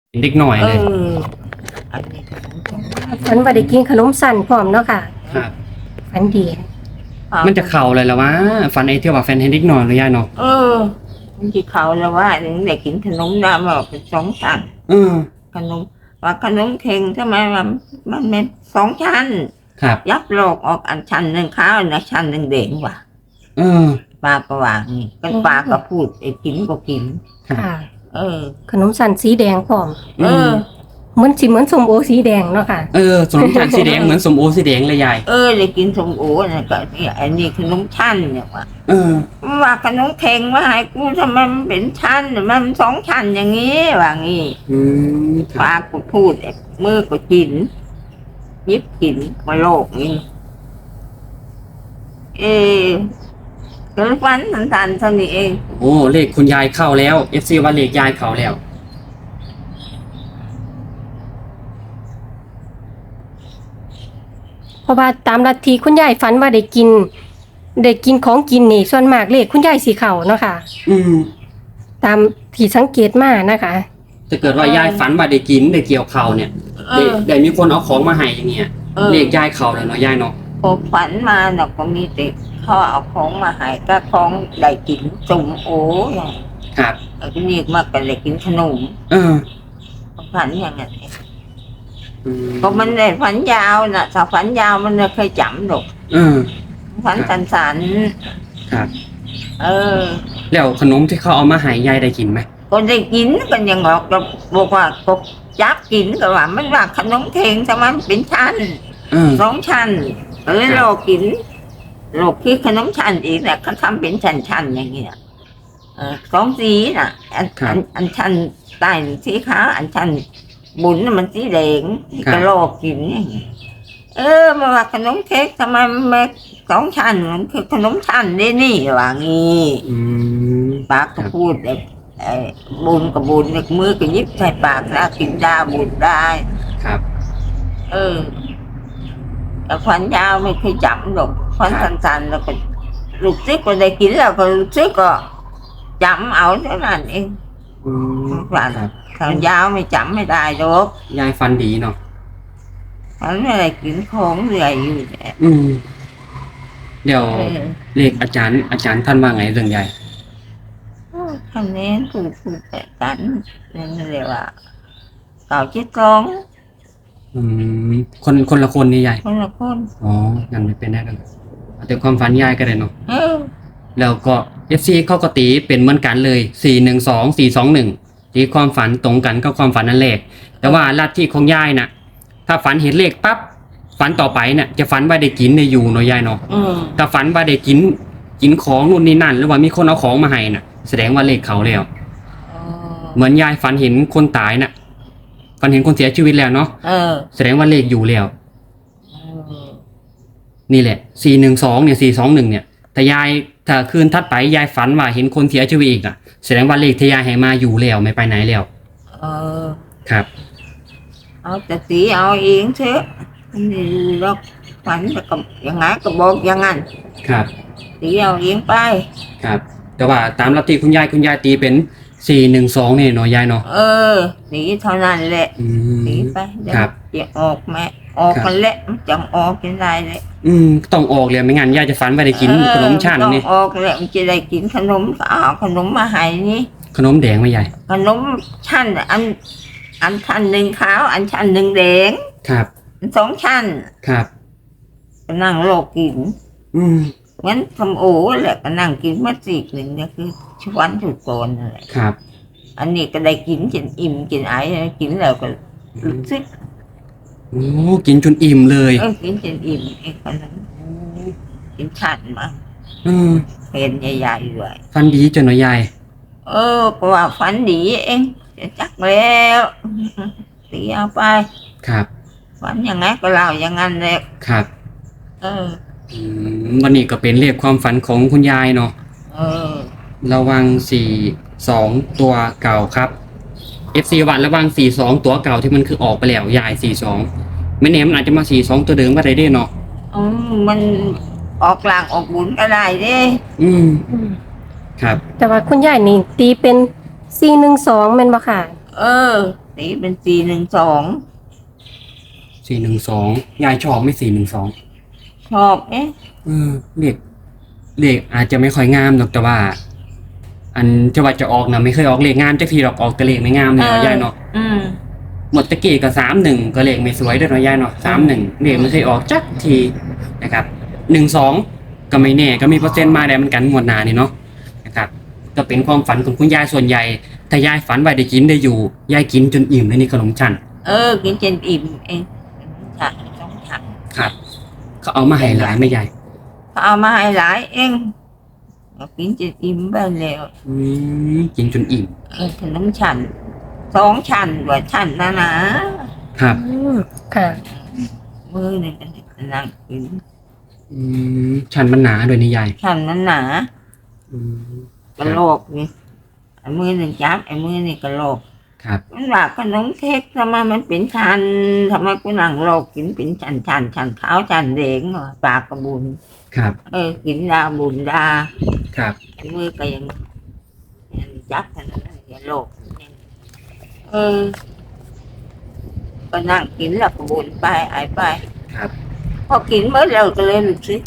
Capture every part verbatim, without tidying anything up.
เด็กหน่อยเอเลยออันนี้ฝันว่าได้กินขนมสั่นพร้อมเนาะค่ะครับฝันดีมันจะเข่าเลยแล้ววะฟันไอเที่ยวว่าแฟนเฮนเด็กหน่อยเลยยายเนาะเออมันที่เขาแล้วว่าเด็กกินขนมน้ำบอกเป็นสองชั้นเออขนมว่าขนมเค็งทำไมมันมันเป็นสองชั้นครับยับโลกออกอันชั้นหนึ่งข้าวนะชั้นหนึ่งเด่งว่ะเออปลาก็วางนี่กันปลาก็พูดไอ้กินก็กินครับค่ะเออขนมสั่นสีแดงพร้อมเออเหมือนสิเหมือนส้มโอสีแดงเนาะค่ะเออสมชันสีแดงเหมือนสมโอสีแดงเลยยายเออเลยกินสมโอนะก็เนี่ยอันนี้ขนมชั้นเนี่ยว่ะเออว่าขนมเค็งว่าให้กูทำไมมันเป็นชั้นมันสองชั้นอย่างนี้ว่างี้อืมคปรับลาก็พูดไอ้มือก็กินยิบกินมาโลกนี่เออเกิดฟันสันๆเท่านี้เองโอ้เลขคุณยายเข้าแล้ว เอฟ ซี ว่าเลขยายเข้าแล้วเพราะว่าตามลัทธิคุณยายฝันว่าได้กินได้กินของกินนี่ส่วนมากเลขคุณยายสีเขาเนาะค่ะอืมตามที่สังเกตมานะคะถ้าเกิดว่ายายฝันว่าได้กินได้เกี่ยวเข่าเนี่ยเอได้อได้มีคนเอาของมาให้อย่างเงี้ยเออเลขยายเข้าแล้วเนาะยายเนาะพอฝันมาเนาะก็มีแต่เขาเอาของมาให้ก็ของได้กินสมโออย่างครับไอ้นี่มากก็ได้กินขนมเออฝันอย่างนั้นเองอืมก็มันได้ฝันยาวน่ะถ้าฝันยาวมันไม่เคยจำหรอกเออฝันสันครับๆเออแล้วขนมที่เขาเอามาให้ยายได้กินไหมก็ได้กินกันยังออกก็บอกว่าก็จับกินก็ว่ามันว่าขนมเค็งทำไมมันเป็นชั้นเออสองชั้นเออเรากินเราคิดขนมชั้นอีกแหละเขาทำเป็นชั้นๆอย่างเงี้ยเออสองสีน่ะอันอันอันชั้นใต้สีขาวอันชั้นบุญน่ะมันสีแดงก็โลกกินอย่างเงี้ยเออมาว่าขนมเค้กทำไมมันไม่สองชั้นมันคือขนมชั้นนี่นี่ว่างี้อืมปากก็พูดไอ้ไอ้บุญกับบุญเนี่ยมือก็ยิบใส่ปากแล้วกินได้บุญได้ครับเออแต่ฟันยาวไม่เคยจำหรอกฟันสั้นๆแล้วก็ลูกซิกก็ได้กินแล้วก็ลูกซิกก็จำเอาเท่านั้นเองอืมฟันครับถ้ายาวไม่จำไม่ได้หรอกยายฟันดีเนาะฟันอะไรกินของเหนื่อยอยู่แหละอืม เดี๋ยวเออเลขอาจารย์ อาจารย์ท่านว่าไงเรื่องใหญ่คะแนนถูกถูกแต่กันนั่นเรียกว่าเก่าจิตกองอืม คนคนละคนนี่ยายคนละคนอ๋อ ยังไม่เป็นได้กันเอาแต่ความฝันยายก็ได้เนาะเออแล้วก็ เอฟ ซี เขาก็ตีเป็นเหมือนกันเลย สี่ หนึ่ง สอง สี่ สอง หนึ่ง ที่ความฝันตรงกันกับความฝันนั่นแหละแต่ว่าลัทธิของยายน่ะ ถ้าฝันเห็นเลขปั๊บ ฝันต่อไปน่ะ จะฝันว่าได้กินได้อยู่เนาะยายเนาะอืมถ้าฝันว่าได้กิน กินของนู่นนี่นั่น หรือว่ามีคนเอาของมาให้น่ะ แสดงว่าเลขเขาแล้วเออเหมือนยายฝันเห็นคนตายน่ะ ฝันเห็นคนเสียชีวิตแล้วเนาะเออแสดงว่าเลขอยู่แล้วเออนี่แหละ สี่ หนึ่ง สอง เนี่ย สี่ สอง หนึ่ง เนี่ย แต่ยายถ้าคืนทัดไปยายฝันว่าเห็นคนเสียชีวิตอีกอ่ะ แสดงว่าเลขที่ยายให้มาอยู่แล้วไม่ไปไหนแล้วเออครับเอาแต่สีเอาเองเถอะอันนี้เราฝันแต่ก็ยังไงก็บอกอย่างนั้นครับสีเอาเองไปครับ แต่ว่าตามลัทธิคุณยายคุณยายตีเป็น สี่ หนึ่ง สอง เนี่ยเนาะยายเนาะเออสีเท่านั้นแหละอืสีมไปเดี๋ยวครับจะออกแม่ออกครับมันแหละมันจำออกกินได้เลยอืม ต้องออกเลยไม่งั้นยายจะฝันว่าได้กินขนมชั้นเออนี่ต้องออกแหละมันจะได้กินขนมก็เอาขนมมาให้นี่ขนมแดงไหมยายขนมชั้นอัน อันชั้นหนึ่งขาว อันชั้นหนึ่งแดงครับสองชั้นครับก็นั่งโลกกินอืมงั้นทำโอแหละก็นั่งกินมาสีกหนึ่งเนี่ยคือชวนสุดโกนนั่นแหละครับอันนี้ก็ได้กินจนอิ่มกินไอ้กินแล้วก็รู้สึกโอ้กินจนอิ่มเลยเออกินจนอิ่มไอ้คนนั้นกินชันมาอืมเป็นใหญ่ๆด้วยฟันดีจนเนาะยายเออก็ว่าฝันดีเองจะจักแล้วตีเอาไปครับฝันยังไงก็เล่าอย่างนั้นแหละครับเอออืมวันนี้ก็เป็นเลขความฝันของคุณยายเนาะเออระวัง สี่ สอง ตัวเก่าครับ เอฟ ซี วันระวัง สี่ สอง ตัวเก่าที่มันคือออกไปแล้วยาย สี่ สอง ไม่แน่มันอาจจะมา สี่ สอง ตัวเดิมก็ได้เด้เนาะอืมมันออกลางออกบุญก็ได้เด้อืม ครับแต่ว่าคุณยายนี่ตีเป็นสี่หนึ่งสองแม่นบ่ค่ะเออตีเป็นสี่หนึ่งสองสี่หนึ่งสองยายชอบไม่สี่หนึ่งสองชอบเอ๊ะเออเลขเลขอาจจะไม่ค่อยงามหรอกแต่ว่า อันจะว่าจะออกนะไม่เคยออกเลขงามจักทีหรอกออกแต่เลขไม่งามเลยเนาะยายเนาะอืมหมดตะกี้ก็สามหนึ่งก็เลขไม่สวยด้วยเนาะยายเนาะสามหนึ่งเลขไม่เคยออกจักทีนะครับหนึ่งสองก็ไม่แน่ก็มีเปอร์เซ็นต์มาได้เหมือนกันหมดหนานี่เนาะนะครับก็เป็นความฝันของคุณยายส่วนใหญ่ถ้ายายฝันไว้ได้กินได้อยู่ยายกินจนอิ่มเลยนี่ขนมชั้นเออกินจนอิ่มเองฉันต้องฉันครับเขาเอามาให้หลายไม่ใหญ่เขาเอามาให้หลายเองก็กินจนอิ่มไปแล้วอืมกินจนอิ่มเออขนมฉันสองชั้นกว่าชั้นนะนะครับอืมค่ะมือหนึ่งก็นั่งกินอืมชั้นมันหนาด้วยนี่ยายชั้นนั้นหนาอืมกระโหลกนี่ไอ้มือหนึ่งจับไอ้มือนี่กระโหลกครับมันว่าขนมเค้กทำไมมันเป็นชั้นทำไมกูนั่งโลกกินเป็นชั้นชั้นชั้นขาวชั้นแดงเหรอปากกระบุญครับเออกินดาบุญดาครับไอ้มือก็ยังยังจับขนมอย่าโลกเออก็นั่งกินแล้วก็บุญไปไอ้ไปครับพอกินเมื่อเราก็เลยรู้สึก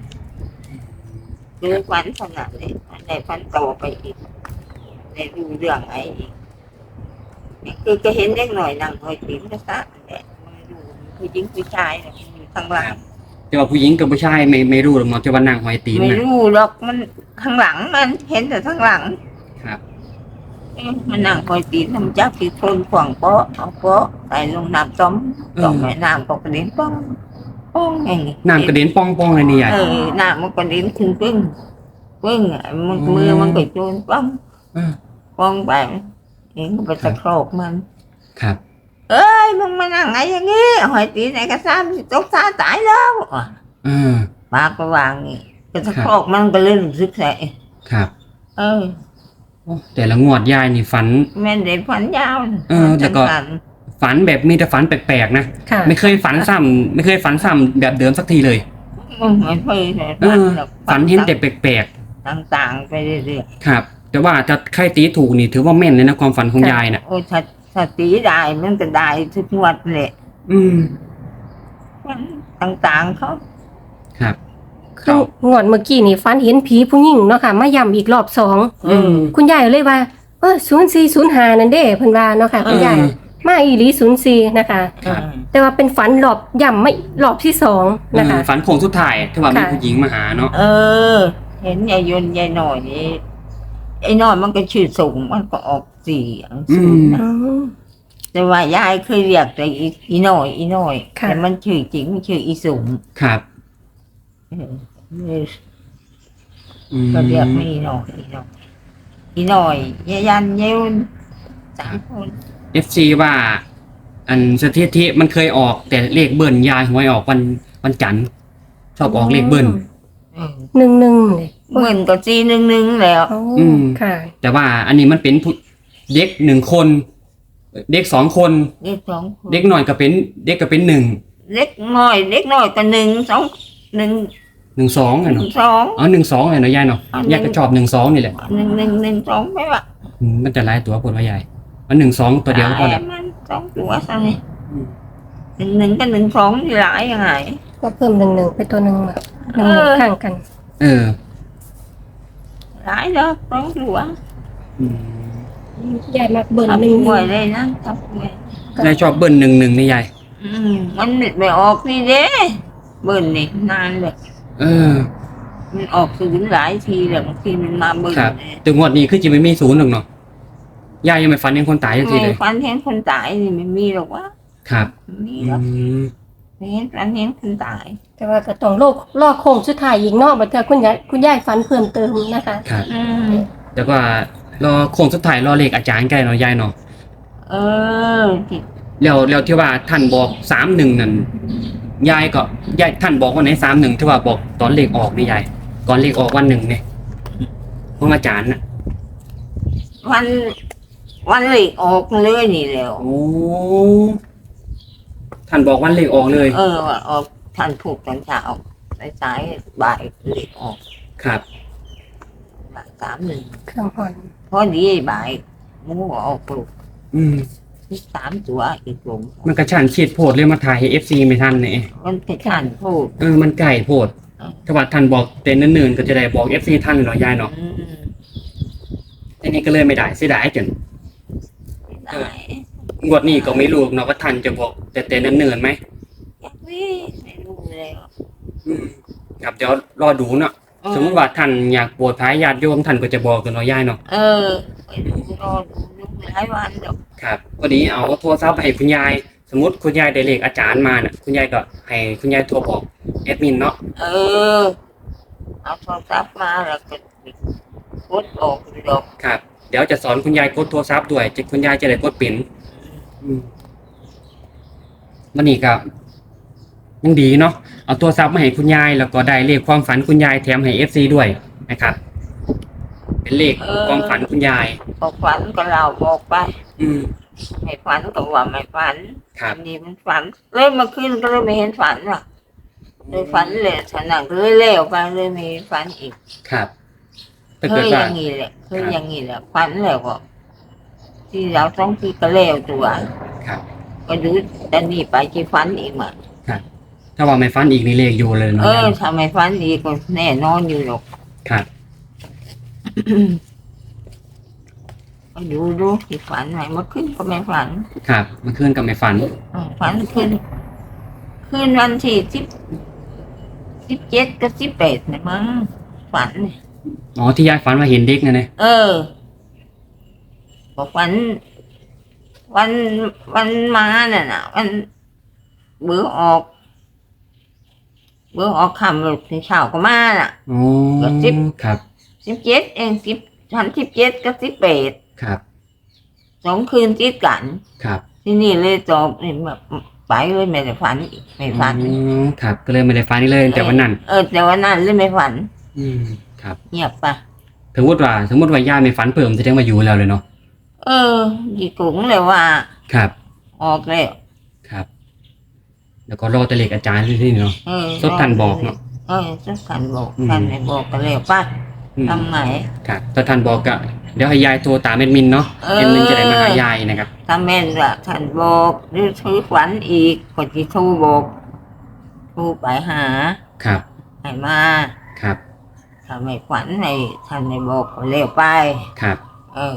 เลยฝันขนาดนี้ในฝันโตไปอีกในดูเรื่องไอ้อีกนี่คือก็เห็นเด็กหน่อยนั่งคอยปีนกระซะแหละมันดูผู้หญิงผู้ชายเนี่ยมันอยู่ข้างหลังแต่ว่าผู้หญิงกับผู้ชายไม่ไม่รู้หรอกเนาะแต่ว่านางหอยตีนไม่นะรู้หรอกมันข้างหลังมันเห็นแต่ข้างหลังครับเอ๊ะมันนั่งคอยปีนทำจับที่คนขวางโป๊ะเอาโป๊ะใส่ลงน้ำต้มต้มแม่น้ำก็กระเด็นป้องป้องอย่างนี้น้ำกระเด็นป้องป้องเลยนี่ยายเออน้ำมันกระเด็นขึ้นปึ้งปึ้งอ่ะมันมือมันก็โจนป้องเออป้องไปเองก็ไปตะโครกมันครับเอ้ยมึงมานั่งไงอย่างงี้หอยตีไหนกระซ้ำตกซาตายแล้วอ่ะเออปากก็วางนี่ก็ตะโครกมันก็เลยรู้สึกใส่ครับเออโอ้แต่ละงวดยายนี่ฝันแม่นเด็กฝันยาวเออแต่ก็ฝันฝันแบบมีแต่ฝันแปลกๆนะค่ะไม่เคยฝันซ้ำไม่เคยฝันซ้ำแบบเดิมสักทีเลยอืมไม่เคยเลยเออ ฝันเห็นแต่แปลกต่างๆไปเรื่อยๆครับ แต่ว่าถ้าใครตีถูกนี่ถือว่าแม่นเลยนะความฝันของยายน่ะๆโอ้ถ้าถ้าตีได้มันก็ได้ทุกงวดเลยอืมต่างๆเขาครับคืองวดเมื่อกี้นี่ฝันเห็นผีผู้หญิงเนาะค่ะมาย้ำอีกรอบสองอืมคุณยายเลยว่าเออศูนย์สี่ศูนย์ห้านั่นเด้เพิ่นว่าเนาะค่ะคุณยายเออมาอีหลีศูนย์สี่นะคะครับแต่ว่าเป็นฝันรอบย่ำไม่รอบที่สองนะคะเออฝันโค้งสุดท้ายที่ว่ามีค่ะผู้หญิงมาหาเนาะเออ เห็นยายยนต์ยายหน่อยนี่ไอ้หน่อยมันก็ชื่อสูงมันก็ออกสี่อังสูงนะอืมแต่ว่ายายเคยเรียกแต่อีอีหน่อยอีหน่อยค่ะแต่มันชื่อจริงมันชื่ออีสูงครับเออเลยอืมก็เรียกไม่อีหน่อยอีหน่อยอีหน่อยยายยันยายยนต์สามคนเอฟซีว่า อันสถิติมันเคยออก แต่เลขเบิ้ลยายหวยออกวันวันจันทร์ชอบออกเลขเบิ้ลเออหนึ่งหนึ่งเลยเหมือนกับจีหนึ่งหนึ่งแล้วโอ้อืมค่ะแต่ว่าอันนี้มันเป็นผู้เด็กหนึ่งคน เด็กสองคนเด็กสองคนเด็กหน่อยก็เป็นเด็กก็เป็นหนึ่งเล็กน้อยเล็กน้อยก็หนึ่งสองหนึ่งหนึ่งสองอะหนึ่เนาะงสองอ๋อหนึ่งสองเลยเนาะยายเนาะอ๋อหนึ่งยายก็ชอบหนึ่งสองนี่แหละหนึ่งหนึ่งหนึ่งสองไม่ว่าอืมมันจะหลายตัวปวดว่ายายมันหนึ่งสองตัวเดียวก็พอหแล้ลายว มันสองตัวซะนี่หนึ่งหนึ่งกับหนึ่งสองนี่หลายยังไงก็เพิ่มหนึ่งหนึ่งไปตัวหนึ่งแบบหนึ่งหนึ่งเออข้างกันเออหลายแล้วสองตัวอืมยายมักเบิ่นทับหนึ่งหวยเลยนะทับหวยยายชอบเบิ้ลหนึ่งหนึ่งนี่ยายอืมมันไม่ออกนี่เด้เบิ่นนี่นานเลยเออมันออกถึงหลายทีแล้วบางทีมันมาเบิ่นครับเนี่ยแต่งวดนี้คือจะไม่มีศูนย์หรอกเนาะยายยังไม่ฝันเห็นคนตายสักทีเลยไม่ฟันเห็นคนตายนี่ไม่มีหรอกวะครับไม่มีอืหรอกมไม่เห็นฟันเห็นคนตายแต่ว่าก็ต้องโลกลอกโค้งสุดท้ายอีกเนอกบัดเทื่อคุณยายคุณยายฝันเพิ่มเติมนะคะครับอืมแต่ว่ารอโค้งสุดท้ายรอเลขอาจารย์ใกล้เนาะยายเนาะเออที่แล้วแล้วที่ว่าท่านบอกสามหนึ่งนั่นยายก็ยายท่านบอกว่าไหนสามหนึ่งที่ว่าบอกตอนเลขออกนี่ยายก่อนเลขออกวันหนึ่งเนี่ยของอาจารย์น่ะวันวันเหล็กออกเลยนี่แล้วโอ้ท่านบอกวันเลขออกเลยเออว่าออกท่านผูกตอนเช้าสายสายๆบ่ายเหล็กออกครับบ่ายสามหนึ่งเครื่องหอนพอดีบ่ายหมูก็ออกปลุกอืมสามตัวอีกลงมันกระชั้นชิดโพดเลยมาถ่ายให้ เอฟ ซี ไม่ทันเนี่ยมันกระชันพูดเออมันไก่โพดถ้าว่าท่านบอกเต้นเนิ่นๆก็จะได้บอก เอฟ ซี ท่านเลยเนาะยายเนาะอืมทีนี้ก็เลยไม่ได้เสียดายจนได้งวดนี้ก็ไม่รู้เนาะว่าท่านจะบอกแต่เต้นเนิ่นๆไหมอยากวิ่งไม่รู้เลยอืมครับเดี๋ยวรอดูเนาะสมมติว่าท่านอยากบวชพระญาติโยมท่านก็จะบอกกันเนาะยายเนาะเออไปดูรอดูดูหลายวันดอกครับพอดีเอาโทรศัพท์ไปให้คุณยาย สมมติคุณยายได้เลขอาจารย์มาน่ะคุณยายก็ให้คุณยายโทรบอกแอดมินเนาะเออเอาโทรศัพท์มาแล้วก็กดออกดอกครับเดี๋ยวจะสอนคุณยายกดโทรศัพท์ด้วยจะคุณยายจะได้กดเป็นอืมวันนี้ก็ยังดีเนาะเอาโทรศัพท์มาให้คุณยายแล้วก็ได้เลขความฝันคุณยายแถมให้ เอฟ ซี ด้วยนะครับ เป็นเลขความฝันคุณยายบอกฝันก็เราบอกไปอืมไม่ฝันก็ว่าไม่ฝันครับอันนี้มันฝันเลยมาขึ้นก็เลยไม่เห็นฝันว่ะเลยฝันเลยฉนังเลยเลี้ยวไปเลยไม่เห็นฝันอีกครับถ้าเคเกิดยอว่าย่างนี้แหละเคยอย่างนี้แหละฝันแล้วก็ที่เราต้องที่ก็เลี้ยวตัวครับก็ดูแต่นี่ไปที่ฝันอีกมาถ้าว่าไม่ฝันอีกนี่เลขอยู่เลยเนาะเออถ้าไม่ฝันอีกก็แน่นอนอยู่หรอกครับก็ดูดูที่ฝันไหนเมื่อคืนก็ไม่ฝันครับเมื่อคืนก็ไม่ฝันเออฝันคืนคืนวันที่สิบสิบเจ็ดกับสิบแปดเนี่ยมั้งฝันเนี่ยอ๋อที่ยายฝันว่าเห็นเด็กนะเนี่ยเออบอกวัน วันวันมาน่ะนะวันเบื่อออก เบื่อออกคำหลุดเช้าก็มาน่ะอ๋อก็สิบครับสิบเจ็ดเองสิบชั้นสิบเจ็ดกับสิบแปดครับสองคืนติดกันครับที่นี่เลยจบนี่แบบไปเลยไม่ได้ฝันอีกไม่ฝันอ๋อครับ ก็เลยไม่ได้ฝันอีกเลยแต่วันนั้นเออแต่วันนั้นเลยไม่ฝันอืมครับเงียบไปสมมติว่าสมมติว่ายายไม่ฝันเพิ่มจะได้มาอยู่แล้วเลยเนาะเออดีกุ้งเลยว่าครับออกแล้วครับ แล้วก็รอแต่เลขอาจารย์ที่นี่เนาะเออสดทันบอกเนาะเออสดทันบอกอืมทันไม่บอกก็แล้วไป้าอืมทำไงครับถ้าท่านบอกก็เดี๋ยวให้ยายโทรตามแอดมินเนาะเออแอดมินจะได้มาหายายนะครับถ้าแม่นว่าท่านบอกหรือถือฝันอีกก็จะโทรบอกโทรไปหาครับให้มาครับถ้าไม่ฝันให้ท่านไม่บอกก็แล้วไปครับเออ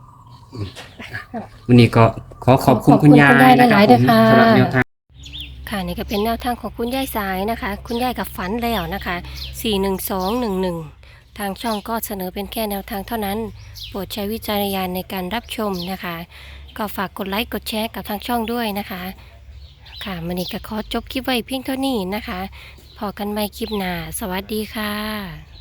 วันนี้ก็ขอขอบคุณขอบคุคุณ ณยายคุณยายนะครับหลายๆผด้วยมค่ะสำหรับแนวทางค่ะนี่ก็เป็นแนวทางของคุณยายสายนะคะ คุณยายกับฝันแล้วนะคะ สี่หนึ่งสองหนึ่งหนึ่ง ทางช่องก็เสนอเป็นแค่แนวทางเท่านั้น โปรดใช้วิจารณญาณในการรับชมนะคะ ก็ฝากกดไลค์กดแชร์กับทางช่องด้วยนะคะ ค่ะมันนี้ก็ขอจบคลิปไว้เพียงเท่านี้นะคะ พอกันใหม่คลิปหน้า สวัสดีค่ะ